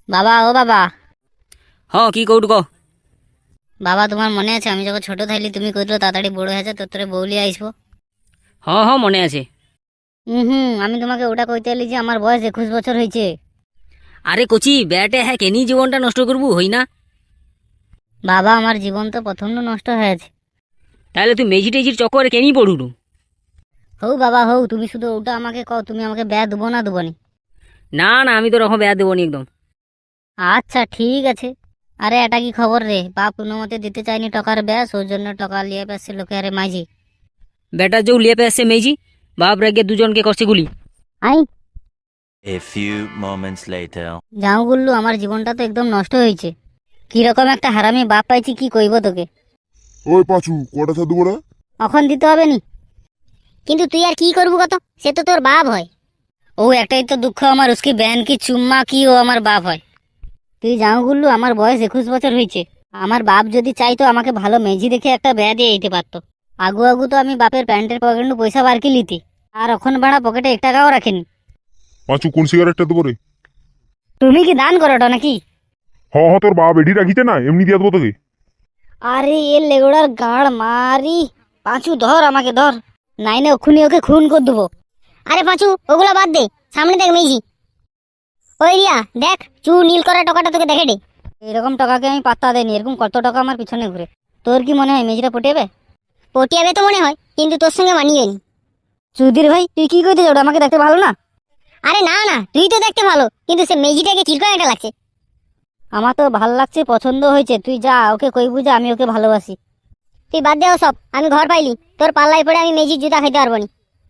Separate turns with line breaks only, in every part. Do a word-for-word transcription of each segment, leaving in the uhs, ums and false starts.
বাবা, ও বাবা।
হ্যাঁ, কি কৌটু ক।
বাবা, তোমার মনে আছে আমি যখন ছোট থাইলি তুমি কইলো তাড়াতাড়ি বড় হয়েছে তোর তোরে বউ লিয়ে আসবো?
হ্যাঁ হ্যাঁ, মনে আছে।
হুম হুম আমি তোমাকে ওটা কইতে এলি যে আমার বয়স একুশ বছর হয়েছে।
আরে কচি ব্যাটে, হ্যাঁ কেনি জীবনটা নষ্ট করবো, হই না?
বাবা, আমার জীবন তো প্রথম নষ্ট হয়েছে।
তাহলে তুই মেজি টেজির চক্করে কেনি পড়ুলু?
হৌ বাবা হৌ, তুমি শুধু ওটা আমাকে কও, তুমি আমাকে ব্যয় দেবো না দেবো নি?
না না, আমি তো রকম ব্যাট দেবো নি একদম।
আচ্ছা ঠিক আছে। আরে এটা কি খবর রে? বাপ কোনো মতে দিতে চাইনি টাকার ব্যাস, ওর জন্য টাকা লিয়ে পেছে লোকে। আরে মাঝি
ব্যাটার যেও লিয়ে আসছে মেজি, বাপ রেগে দুজনকে করছে গুলি।
I
A few moments later.
যাও গুল্লু, আমার জীবনটা তো একদম নষ্ট হয়েছে। কিরকম একটা হারামি বাপ পাইছি কি কইব তোকে।
ওই পাঁচু, কটা সাধু বড়া?
এখন দিতে হবে নি। কিন্তু তুই আর কি করবো কত, সে তো তোর বাপ হয়। ও একটাই তো দুঃখ আমার, উসকি বেহন কি চুম্মা কি ও আমার বাপ হয়। তুই যাও গুল্লু, আমার বয়স একুশ বছর হয়েছে। আমার বাপ যদি চাইতো আমাকে ভালো মেজি দেখে একটা বেয়া দিয়ে দিতে পারতো। আগু আগু তো আমি বাপের প্যান্টের পকেটে পয়সা বার কি লিতি, আর এখন বাড়া পকেটে এক টাকাও রাখেনি।
পাঁচু, কোন সিগারেটটা দেবো রে?
তুমি কি দান করোটা নাকি?
হ হ, তোর বাপ এডি রাখিছে না, এমনি দিয়ে দেবো তোকে।
আরে এ লেগুড়ার গাড় মারি। পাঁচু ধর, আমাকে ধর, নাইনে ওখুনি ওকে খুন করে দেবো। আরে পাঁচু, ওগুলো বাদ দে, সামনে দেখ মেজি। ওই রিয়া দেখ, চু নীল করা টাকাটা তোকে দেখে দে। এরকম টাকাকে আমি পাত্তা দেয়নি, এরকম কত টাকা আমার পিছনে ঘুরে। তোর কি মনে হয় মেজিটা পটিয়াবে? পটিয়াবে তো মনে হয়, কিন্তু তোর সঙ্গে মানিয়ে নি। চুদির ভাই, তুই কি কইতে যাও? আমাকে দেখতে ভালো না? আরে না না, তুই তো দেখতে ভালো, কিন্তু সে মেজিটাকে কিরকম একটা লাগছে। আমার তো ভালো লাগছে, পছন্দ হয়েছে। তুই যা, ওকে কইবু যে আমি ওকে ভালোবাসি। তুই বাদ দেও সব, আমি ঘর পাইলি, তোর পাল্লায় পড়ে আমি মেজির জুতা খাইতে পারবো নি।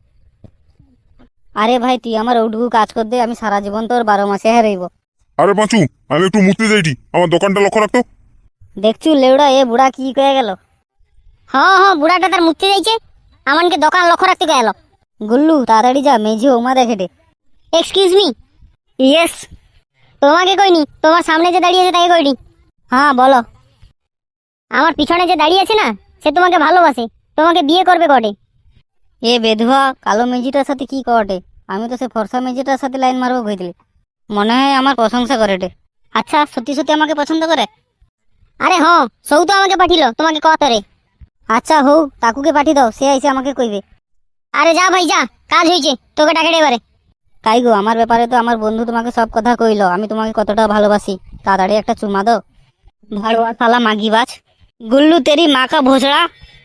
আরে ভাই, তুই আমার ওটুকু কাজ কর দে, আমি সারা জীবন তোর বারো মাসে হারাইব।
আরে পাঁচু, আমি একটু মুততে যাইটি, আমার দোকানটা লক্ষ্য রাখতো।
দেখছু লেউড়া, এ বুড়া কি কয়ে গেল? হ্যাঁ হ্যাঁ, বুড়াটা তার মুততে যাইছে, আমানকে দোকান লক্ষ্য রাখতে গেল। গুল্লু তাড়াতাড়ি যা, মেজি ওমা দেখে দে। Excuse me. ইয়েস। তোমাকে কইনি, তোমার সামনে যে দাঁড়িয়ে আছে তাকে কইনি। হ্যাঁ বলো। আমার পিছনে যে দাঁড়িয়ে আছে না, সে তোমাকে ভালোবাসে, তোমাকে বিয়ে করবে কটে। এ বেধুয়া, কালো মেজিটার সাথে কি কটে? আমি তো সে ফর্সা মেজিটার সাথে লাইন মারবো কইদিলি। মনে হয় আমার প্রশংসা করে রে। আচ্ছা, সত্যি সত্যি আমাকে পছন্দ করে? আরে হ্যাঁ, সৌ তো আমাকে পাঠিল তোমাকে কত রে। আচ্ছা হৌ, কাকুকে পাঠিয়ে দাও, সে এসে আমাকে কইবে। আরে যা ভাই যা, কাজ হয়েছে, তোকে ডাকে এবারে। তাই গো, আমার ব্যাপারে তো আমার বন্ধু তোমাকে সব কথা কইলো, আমি তোমাকে কতটা ভালোবাসি। তাড়াতাড়ি একটা চুমা দাও। ভাড়ুয়া শালা মাগিবাজ। গুল্লু তেরি মা কা ভোসড়া।